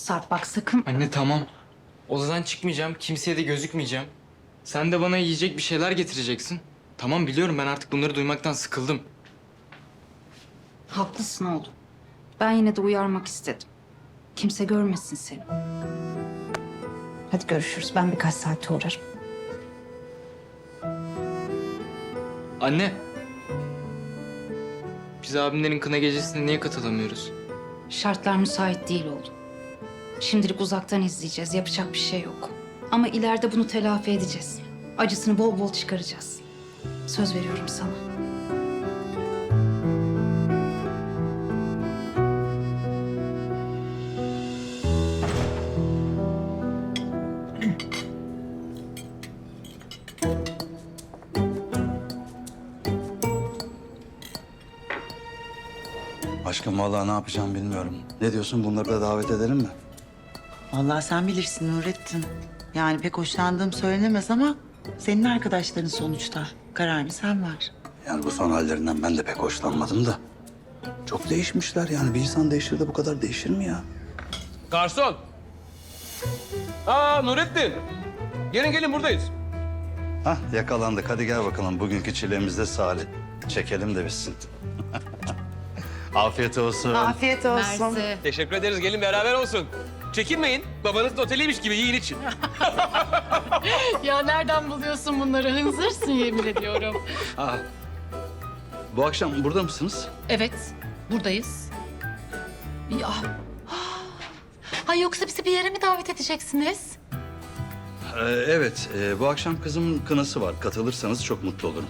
Sarp bak sakın. Anne tamam. Odadan çıkmayacağım, kimseye de gözükmeyeceğim. Sen de bana yiyecek bir şeyler getireceksin. Tamam biliyorum, ben artık bunları duymaktan sıkıldım. Haklısın oğlum. Ben yine de uyarmak istedim. Kimse görmesin seni. Hadi görüşürüz. Ben birkaç saate uğrarım. Anne. Biz abimlerin kına gecesine niye katılamıyoruz? Şartlar müsait değil oğlum. Şimdilik uzaktan izleyeceğiz. Yapacak bir şey yok. Ama ileride bunu telafi edeceğiz. Acısını bol bol çıkaracağız. Söz veriyorum sana. Aşkım vallahi ne yapacağım bilmiyorum. Ne diyorsun, bunları da davet edelim mi? Vallahi sen bilirsin Nurettin. Yani pek hoşlandığım söylenemez ama senin arkadaşların sonuçta. Kararını sen ver. Yani bu son hallerinden ben de pek hoşlanmadım da. Çok değişmişler yani. Bir insan değişir de bu kadar değişir mi ya? Garson! Aa Nurettin! Gelin gelin buradayız. Hah yakalandık. Hadi gel bakalım. Bugünkü çilemiz de Salih. Çekelim de bitsin. Afiyet olsun. Afiyet olsun. Teşekkür ederiz. Gelin beraber olsun. Çekinmeyin. Babanızın oteliymiş gibi yiyin için. Ya nereden buluyorsun bunları? Hınzırsın yemin ediyorum. Aa, bu akşam burada mısınız? Evet, buradayız. Ya. Ay yoksa bizi bir yere mi davet edeceksiniz? Evet. Bu akşam kızımın kınası var. Katılırsanız çok mutlu olurum.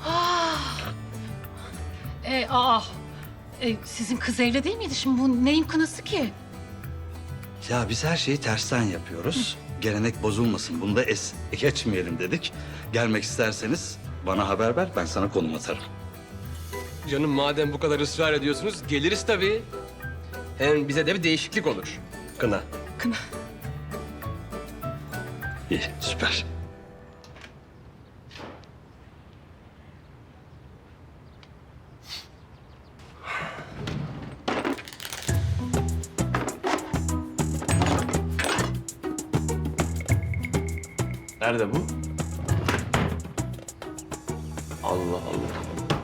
Sizin kız evli değil miydi? Şimdi bu neyin kınası ki? Ya biz her şeyi tersten yapıyoruz. Gelenek bozulmasın. Bunu da es geçmeyelim dedik. Gelmek isterseniz bana haber ver. Ben sana konum atarım. Canım madem bu kadar ısrar ediyorsunuz geliriz tabii. Hem bize de bir değişiklik olur. Kına. İyi, süper. Nerede bu? Allah Allah.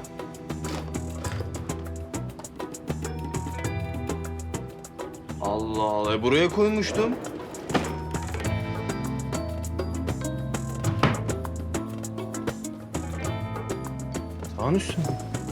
Allah Allah. Buraya koymuştum. Sağın üstüne.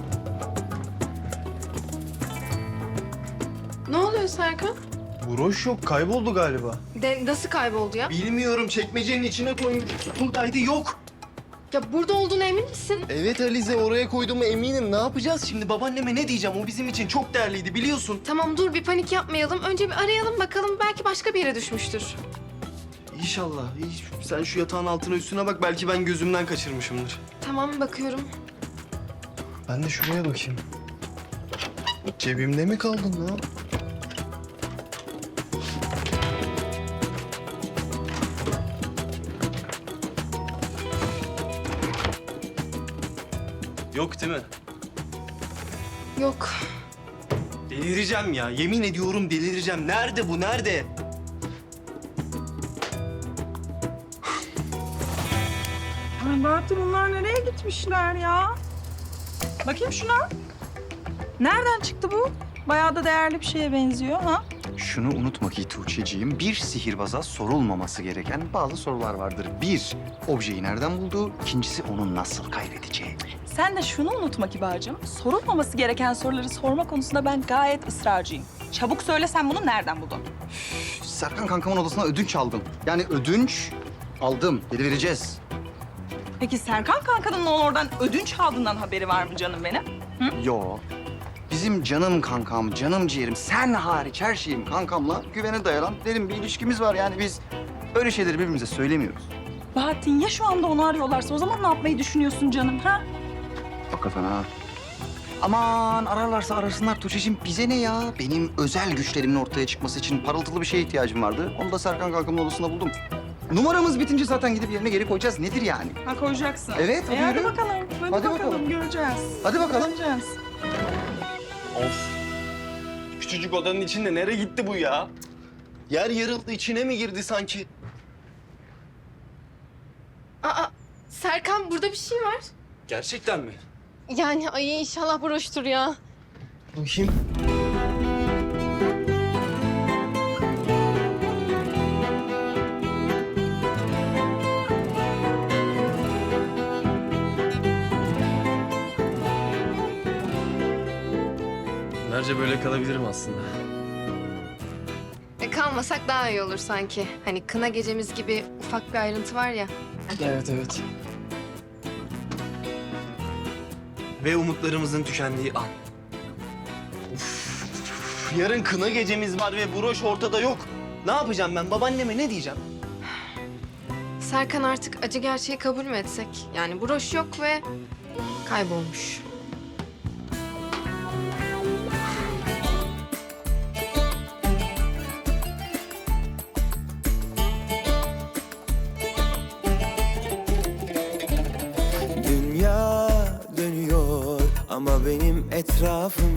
Ne oluyor Serkan? Broş yok, kayboldu galiba. Nasıl kayboldu ya? Bilmiyorum, çekmecenin içine koymuş. Buradaydı, yok. Ya burada olduğuna emin misin? Evet Alize, oraya koyduğuma eminim. Ne yapacağız şimdi? Babaanneme ne diyeceğim? O bizim için çok değerliydi, biliyorsun. Tamam dur bir panik yapmayalım. Önce bir arayalım bakalım. Belki başka bir yere düşmüştür. İnşallah. Sen şu yatağın altına üstüne bak. Belki ben gözümden kaçırmışımdır. Tamam bakıyorum. Ben de şuraya bakayım. Cebimde mi kaldın lan? Yok değil mi? Yok. Delireceğim ya. Yemin ediyorum delireceğim. Nerede bu? Nerede? Ay Bahattin bunlar nereye gitmişler ya? Bakayım şuna. Nereden çıktı bu? Bayağı da değerli bir şeye benziyor ha? Şunu unutma ki Tuğçe'ciğim, bir sihirbaza sorulmaması gereken bazı sorular vardır. Bir, objeyi nereden bulduğu. İkincisi, onu nasıl kaybedeceği. Sen de şunu unutma Kibar'cığım. Sorulmaması gereken soruları sorma konusunda ben gayet ısrarcıyım. Çabuk söyle sen bunu nereden buldun? Serkan kankamın odasına ödünç aldım. Yani ödünç aldım. Geri vereceğiz. Peki Serkan kankanın oradan ödünç aldığından haberi var mı canım benim? Yo. Bizim canım kankam, canım ciğerim, sen hariç her şeyim kankamla güvene dayanan derin bir ilişkimiz var. Yani biz öyle şeyleri birbirimize söylemiyoruz. Bahattin ya şu anda onu arıyorlarsa o zaman ne yapmayı düşünüyorsun canım ha? Bak kafana. Aman ararlarsa arasınlar Tuğçe'cim, bize ne ya? Benim özel güçlerimin ortaya çıkması için parıltılı bir şeye ihtiyacım vardı. Onu da Serkan kankamın odasında buldum. Numaramız bitince zaten gidip yerine geri koyacağız. Nedir yani? Ha koyacaksın. Evet, hadi hadi yürü. bakalım. Hadi bakalım. Göreceğiz. Hadi bakalım. Göreceğiz. Of. Küçücük odanın içinde nereye gitti bu ya? Yer yarıldı, içine mi girdi sanki? Aa, Serkan burada bir şey var. Gerçekten mi? Yani ay inşallah broştur ya. Bakayım. Günlerce böyle kalabilirim aslında. Kalmasak daha iyi olur sanki. Hani kına gecemiz gibi ufak bir ayrıntı var ya. Evet, evet. Ve umutlarımızın tükendiği an. Uf, yarın kına gecemiz var ve broş ortada yok. Ne yapacağım ben? Babaanneme ne diyeceğim? Serkan artık acı gerçeği kabul mü etsek? Yani broş yok ve kaybolmuş. Dünya dönüyor ama benim etrafım